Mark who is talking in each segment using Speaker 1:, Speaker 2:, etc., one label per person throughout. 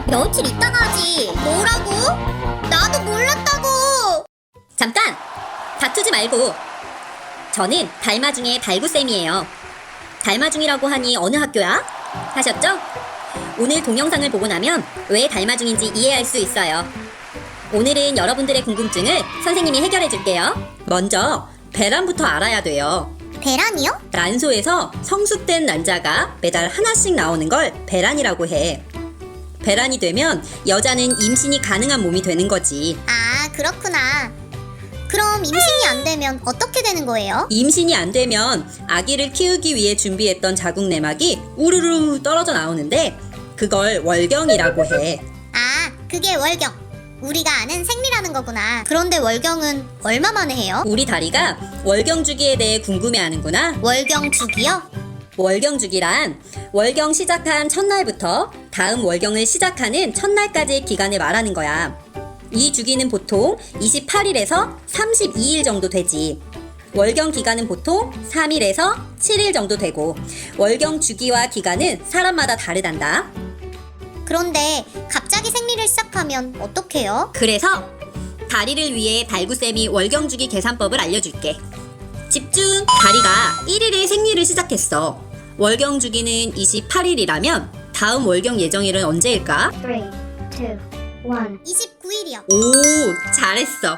Speaker 1: 거야?
Speaker 2: 며칠 있다가 하지. 뭐라고? 나도 몰랐다고.
Speaker 3: 잠깐! 다투지 말고. 저는 달마중의 달구쌤이에요. 달마중이라고 하니 어느 학교야? 하셨죠? 오늘 동영상을 보고 나면 왜 달마중인지 이해할 수 있어요. 오늘은 여러분들의 궁금증을 선생님이 해결해 줄게요. 먼저 배란부터 알아야 돼요.
Speaker 2: 배란이요?
Speaker 3: 란소에서 성숙된 난자가 매달 하나씩 나오는 걸 배란이라고 해. 배란이 되면 여자는 임신이 가능한 몸이 되는 거지.
Speaker 2: 아, 그렇구나. 그럼 임신이 안 되면 어떻게 되는 거예요?
Speaker 3: 임신이 안 되면 아기를 키우기 위해 준비했던 자궁 내막이 우르르 떨어져 나오는데 그걸 월경이라고 해.
Speaker 2: 아, 그게 월경. 우리가 아는 생리라는 거구나. 그런데 월경은 얼마 만에 해요?
Speaker 3: 우리 다리가 월경 주기에 대해 궁금해하는구나.
Speaker 2: 월경 주기요?
Speaker 3: 월경 주기란 월경 시작한 첫날부터 다음 월경을 시작하는 첫날까지의 기간을 말하는 거야. 이 주기는 보통 28일에서 32일 정도 되지. 월경 기간은 보통 3일에서 7일 정도 되고 월경 주기와 기간은 사람마다 다르단다.
Speaker 2: 그런데 갑자기 생리를 시작하면 어떡해요?
Speaker 3: 그래서 다리를 위해 달구쌤이 월경 주기 계산법을 알려줄게. 집중! 다리가 1일에 생리를 시작했어. 월경 주기는 28일이라면 다음 월경 예정일은 언제일까?
Speaker 1: 3, 2, 1.
Speaker 2: 29일이요.
Speaker 3: 오, 잘했어.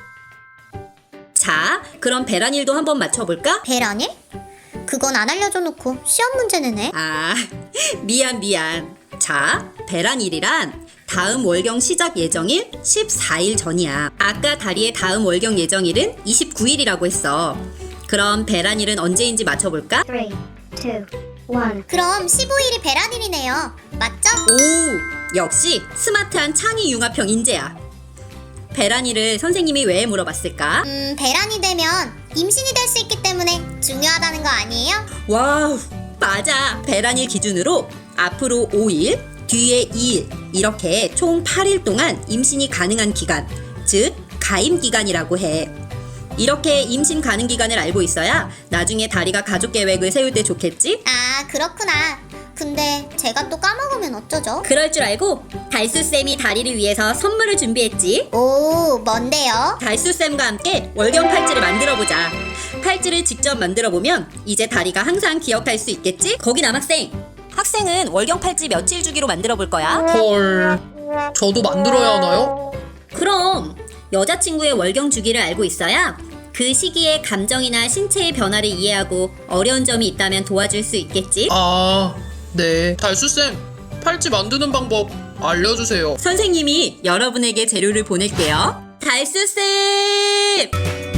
Speaker 3: 자, 그럼 배란일도 한번 맞춰볼까?
Speaker 2: 배란일? 그건 안 알려줘 놓고 시험 문제 내네.
Speaker 3: 아, 미안. 자, 배란일이란 다음 월경 시작 예정일 14일 전이야. 아까 다리의 다음 월경 예정일은 29일이라고 했어. 그럼 배란일은 언제인지 맞춰볼까?
Speaker 1: 3, 2, 1.
Speaker 2: 그럼 15일이 배란일이네요. 맞죠?
Speaker 3: 오, 역시 스마트한 창의 융합형 인재야. 배란일을 선생님이 왜 물어봤을까?
Speaker 2: 배란이 되면 임신이 될 수 있기 때문에 중요하다는 거 아니에요?
Speaker 3: 와우, 맞아. 배란일 기준으로 앞으로 5일, 뒤에 2일 이렇게 총 8일 동안 임신이 가능한 기간, 즉 가임 기간이라고 해. 이렇게 임신 가능 기간을 알고 있어야 나중에 다리가 가족 계획을 세울 때 좋겠지?
Speaker 2: 아, 그렇구나. 근데 제가 또 까먹으면 어쩌죠?
Speaker 3: 그럴 줄 알고 달수쌤이 다리를 위해서 선물을 준비했지.
Speaker 2: 오, 뭔데요?
Speaker 3: 달수쌤과 함께 월경 팔찌를 만들어보자. 팔찌를 직접 만들어보면 이제 다리가 항상 기억할 수 있겠지? 거기 남학생! 학생은 월경 팔찌 며칠 주기로 만들어볼 거야?
Speaker 4: 헐, 저도 만들어야 하나요?
Speaker 3: 그럼 여자친구의 월경 주기를 알고 있어야 그 시기에 감정이나 신체의 변화를 이해하고 어려운 점이 있다면 도와줄 수 있겠지?
Speaker 4: 아, 네. 달수쌤, 팔찌 만드는 방법 알려주세요.
Speaker 3: 선생님이 여러분에게 재료를 보낼게요. 달수쌤!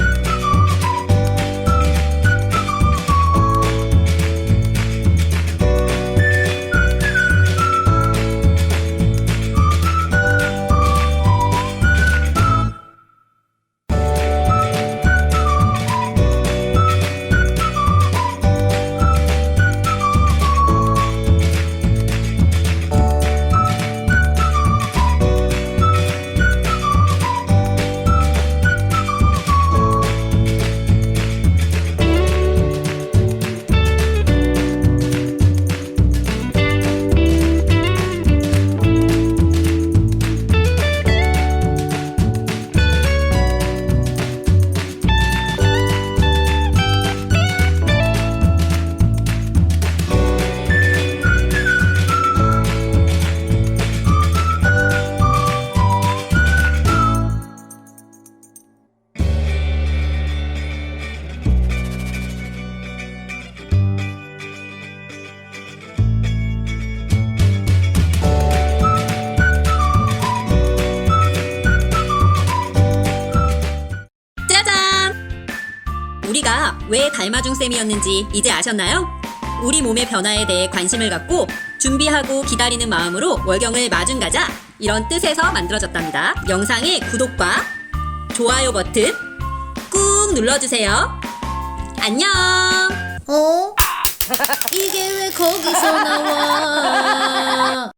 Speaker 3: 우리가 왜 달마중쌤이었는지 이제 아셨나요? 우리 몸의 변화에 대해 관심을 갖고 준비하고 기다리는 마음으로 월경을 마중 가자 이런 뜻에서 만들어졌답니다. 영상의 구독과 좋아요 버튼 꾹 눌러주세요. 안녕.
Speaker 2: 어?
Speaker 3: 이게 왜 거기서 나와?